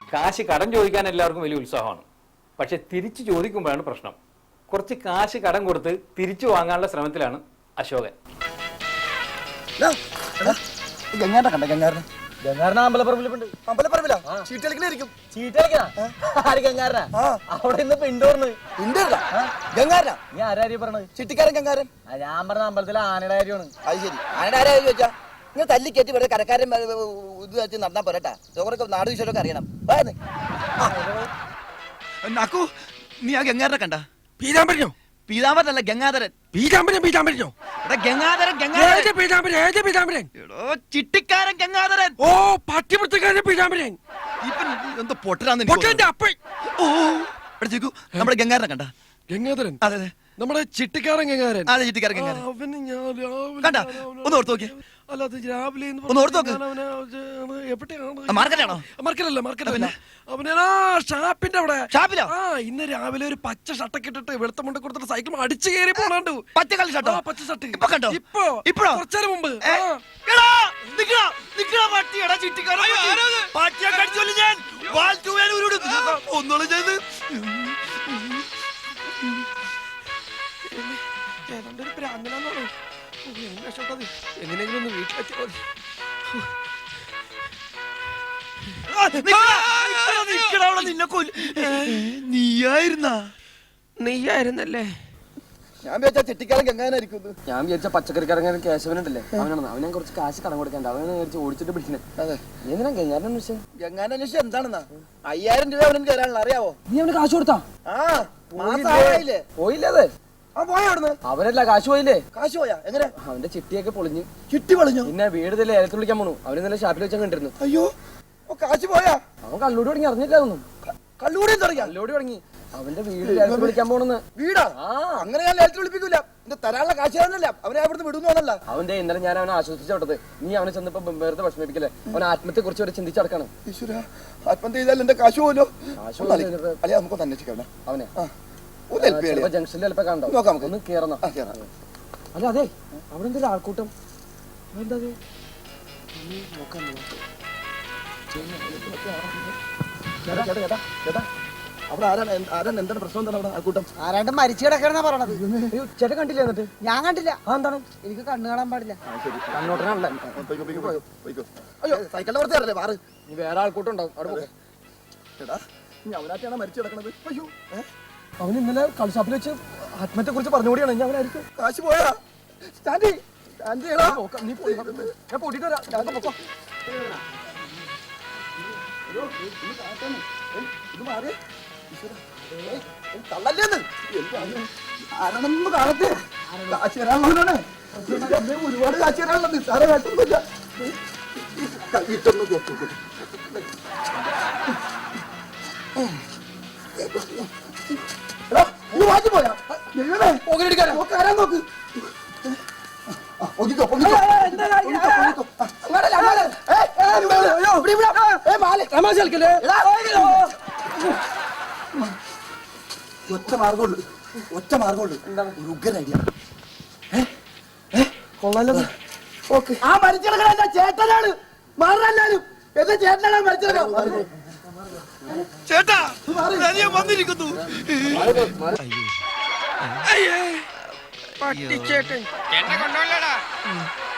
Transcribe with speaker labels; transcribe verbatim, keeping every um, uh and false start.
Speaker 1: കാശ് കടം ചോദിക്കാൻ എല്ലാവർക്കും വലിയ ഉത്സാഹമാണ്. പക്ഷെ തിരിച്ചു ചോദിക്കുമ്പോഴാണ് പ്രശ്നം. കുറച്ച് കാശ് കടം കൊടുത്ത് തിരിച്ചു വാങ്ങാനുള്ള ശ്രമത്തിലാണ് അശോകൻ.
Speaker 2: ഗംഗാരനെ കണ്ട ഗംഗാരനെ
Speaker 3: ഗംഗാരനെ അമ്പലപ്പറമ്പിലുണ്ട്.
Speaker 2: അമ്പലപ്പറമ്പിലാ ചീട്ട് കളിക്കണായിരിക്കും.
Speaker 3: ചീട്ട് കളിക്കണ ആര് ഗംഗാരനാ? അവിടെ ഇന്ന് പിണ്ടോർന്ന്
Speaker 2: പിണ്ടല്ല ഗംഗാരനാ.
Speaker 3: നീ ആരാര്യ പറഞ്ഞത്?
Speaker 2: ചിട്ടിക്കാരൻ ഗംഗാരൻ.
Speaker 3: ഞാൻ പറഞ്ഞ അമ്പലത്തിലെ ആനയുടെ കാര്യമാണ്.
Speaker 2: അത് ശരി, ആനയുടെ ആരാ ചോദിച്ചാ നിങ്ങൾ തല്ലി കയറ്റി വെറുതെ കരക്കാരൻ ഇത് വെച്ച് നടന്നാ പോരട്ടാ. ചോറൊക്കെ നാട് വിഷയമൊക്കെ അറിയണം.
Speaker 4: നാക്കു, നീ ആ ഗംഗാരനെ കണ്ട?
Speaker 5: പീതാംബരനോ?
Speaker 4: പീതാംബരനല്ല, ഗംഗാധരൻ.
Speaker 5: പീതാംബരൻ പീതാംബരനോ?
Speaker 4: ഗംഗാധരൻ
Speaker 5: പീതാംബരൻ
Speaker 4: ചിട്ടിക്കാരൻ ഗംഗാധരൻ.
Speaker 5: ഓ, പട്ടിപുറത്തുകാരൻ പീതാംബരൻ.
Speaker 4: എന്തോ പൊട്ടരാന്ന്
Speaker 5: പൊട്ടന്റെ അപ്പൻ.
Speaker 4: ഓ, നമ്മുടെ ഗംഗാരനെ കണ്ട?
Speaker 5: ഗംഗാധരൻ?
Speaker 4: അതെ അതെ,
Speaker 5: നമ്മുടെ ചിട്ടിക്കാരൻ ഗംഗാരൻ.
Speaker 4: അതെ, ചിട്ടിക്കാരൻ ഗംഗാരൻ.
Speaker 5: അവന് ഞാൻ
Speaker 4: കണ്ട? ഒന്ന് ഓർത്ത് നോക്കിയേ.
Speaker 5: അല്ല, അത് രാവിലെ
Speaker 4: ഒന്ന് ഓർത്ത് നോക്ക്.
Speaker 5: എവിടെയാണ്?
Speaker 4: മാർക്കറ്റാണോ?
Speaker 5: മാർക്കറ്റല്ല, മാർക്കറ്റല്ല. അവനാ ഷാപ്പിന്റെ അവിടെ.
Speaker 4: ഷാപ്പിലോ?
Speaker 5: ആ, ഇന്ന് രാവിലെ ഒരു പച്ച ഷർട്ടൊക്കെ ഇട്ടിട്ട് വെളുത്ത മുണ്ട കൊടുത്തിട്ട് സൈക്കിൾ അടിച്ചു കയറി പോണാണ്ടു.
Speaker 4: പച്ച കളി ഷർട്ടോ?
Speaker 5: പച്ച ഷർട്ട്.
Speaker 4: ഇപ്പൊ കണ്ടോ?
Speaker 5: ഇപ്പൊ
Speaker 4: ഇപ്പഴോ?
Speaker 5: കുറച്ചേരം മുമ്പ്. ഏതാണ്ടൊരു പ്രാന്തനാണോ? എങ്ങനെയെങ്കിലും ഒന്ന് വീട്ടിലെത്തിയാൽ
Speaker 4: നീയായിരുന്നാ?
Speaker 5: നീയായിരുന്നല്ലേ?
Speaker 2: ഞാൻ വിചാരിച്ച ചിട്ടിക്കാരൻ ഗംഗാരനായിരിക്കും.
Speaker 3: ഞാൻ വിചാരിച്ച പച്ചക്കറിക്കാരൻ കേശവനുണ്ടല്ലേ, അവനാണ്. അവനെ കുറച്ച് കാശ് കടം കൊടുക്കണ്ട. അവനെ വിചാരിച്ച് ഓടിച്ചിട്ട് പിടിക്കണേ.
Speaker 2: അതെ,
Speaker 3: എന്തിനാ ഗംഗാരൻ അന്വേഷിച്ചേ?
Speaker 2: ഗംഗാരൻ അന്വേഷിച്ച എന്താണെന്നാ? അയ്യായിരം രൂപ അവനക്ക് തരാനുള്ള അറിയാവോ?
Speaker 3: നീ അവന് കാശ് കൊടുത്താ?
Speaker 2: ആ, മാസായില്ലേ?
Speaker 3: പോയില്ലേ? അതെ,
Speaker 2: ആ പോയ അവിടുന്ന്.
Speaker 3: അവനല്ല, കാശ് പോയില്ലേ?
Speaker 2: കാശ് പോയാ? എങ്ങനെ?
Speaker 3: അവന്റെ ചിട്ടിയൊക്കെ പൊളിഞ്ഞു.
Speaker 2: ചിട്ടി പൊളിഞ്ഞു?
Speaker 3: പിന്നെ വീട് തന്നെ ഏലത്ത് വിളിക്കാൻ പോണു. അവന് നല്ല ഷാപ്പിൽ വെച്ചാൽ കണ്ടിരുന്നു.
Speaker 2: അയ്യോ, കാശ് പോയാ?
Speaker 3: അവൻ കള്ളൂടി തുടങ്ങി, അറിഞ്ഞില്ല ഒന്നും.
Speaker 2: കള്ളൂടി തുടങ്ങി?
Speaker 3: കള്ളൂടി തുടങ്ങി. അവന്റെ വീട് ഏലത്ത് വിളിക്കാൻ പോണെന്ന്.
Speaker 2: വീടാ? അങ്ങനെ ഞാൻ ഏലത്ത് വിളിപ്പിക്കൂല. എന്റെ തരാനുള്ള കാശ് തന്നല്ല, അവനെ അവിടുന്ന് വിടുന്നല്ല.
Speaker 3: അവന്റെ ഇന്നലെ ഞാൻ അവനെ ആശ്വസിച്ചു വിട്ടത്. നീ അവനെ ചെന്നപ്പോ വെറുതെ വിഷമിപ്പിക്കല്ലേ. അവൻ ആത്മഹത്യയെ കുറിച്ച് വരെ ചിന്തിച്ചടക്കാണ്.
Speaker 2: ഈശ്വര, ആത്മഹത്യ ചെയ്താൽ എന്റെ കാശ് പോലോ? അല്ലെ, നമുക്കൊന്ന് അന്വേഷിക്കാം അവനെ.
Speaker 3: ജംഗ്ഷനിൽ ചിലപ്പോ കണ്ടോ?
Speaker 2: നോക്കാം,
Speaker 3: ഒന്ന് കേറണം. അല്ല, അതെ, അവിടെ എന്തൊരു ആൾക്കൂട്ടം. എന്താ നോക്കാൻ?
Speaker 2: അവിടെ ആരാണ്? ആരാണ്? എന്താണ് പ്രശ്നം? എന്താണ് അവിടെ ആൾക്കൂട്ടം?
Speaker 6: ആരാണ്ട് മരിച്ചു കിടക്കണെന്നാ പറയണത്.
Speaker 3: ചേട്ടൻ കണ്ടില്ല? എന്നിട്ട്
Speaker 6: ഞാൻ കണ്ടില്ല.
Speaker 3: ആ, എന്താണ്?
Speaker 6: എനിക്ക് കണ്ണു കാണാൻ പാടില്ല.
Speaker 3: കണ്ണോട്ടനാണല്ലേ?
Speaker 2: അയ്യോ, സൈക്കിളിന്റെ പുറത്ത് കയറല്ലേ മാറ്.
Speaker 3: നീ വേറെ ആൾക്കൂട്ടം ഉണ്ടാവും അവിടെ പോകെ.
Speaker 2: എടാ, നീ അവനാറ്റാണ് മരിച്ചു കിടക്കണത്. അയ്യോ,
Speaker 3: അവൻ ഇന്നലെ കളിഷാപ്പിൽ വെച്ച് ആത്മഹത്യയെ കുറിച്ച് പറഞ്ഞുകൂടിയാണ്. ഞാൻ അവനായിരിക്കും.
Speaker 2: കാശ് പോയാ? സ്റ്റാൻഡി സ്റ്റാൻഡ് ചെയ്യടാ.
Speaker 3: നീ പോയി, ഞാൻ കൂട്ടിട്ട് വരാം. ഞാൻ പൊക്കോ.
Speaker 2: ഇത് മാറി തള്ളല്ലേന്ന് ആരാണെന്ന് കാണട്ടെ. കാശ് തരാനുള്ളവനാണ്. ഒരുപാട് കാശ് തരാനുള്ളത്. നിസ്സാര കാശൊന്നുമില്ല. കൈയിട്ടൊന്ന് നോക്കൂ. വാങ്ങി പോയാ? ആരാ നോക്ക്. ഒതുക്കോ പൊങ്ങിക്കോ. ഒറ്റ മാർഗമുള്ളു, ഒറ്റ മാർഗമുള്ളു. ഒരു ഉഗ്രൻ ഐഡിയ.
Speaker 3: കൊള്ളാലോ.
Speaker 2: ആ മരിച്ചിടക്കണ ചേട്ടനാണ്. മാറാനും എന്റെ ചേട്ടനാണ് മരിച്ചിടക്കം.
Speaker 4: ചേട്ടാ, വന്നിരിക്കുന്നു.
Speaker 5: പട്ടിച്ചേട്ടൻ എന്നെ കൊണ്ടുപോലടാ.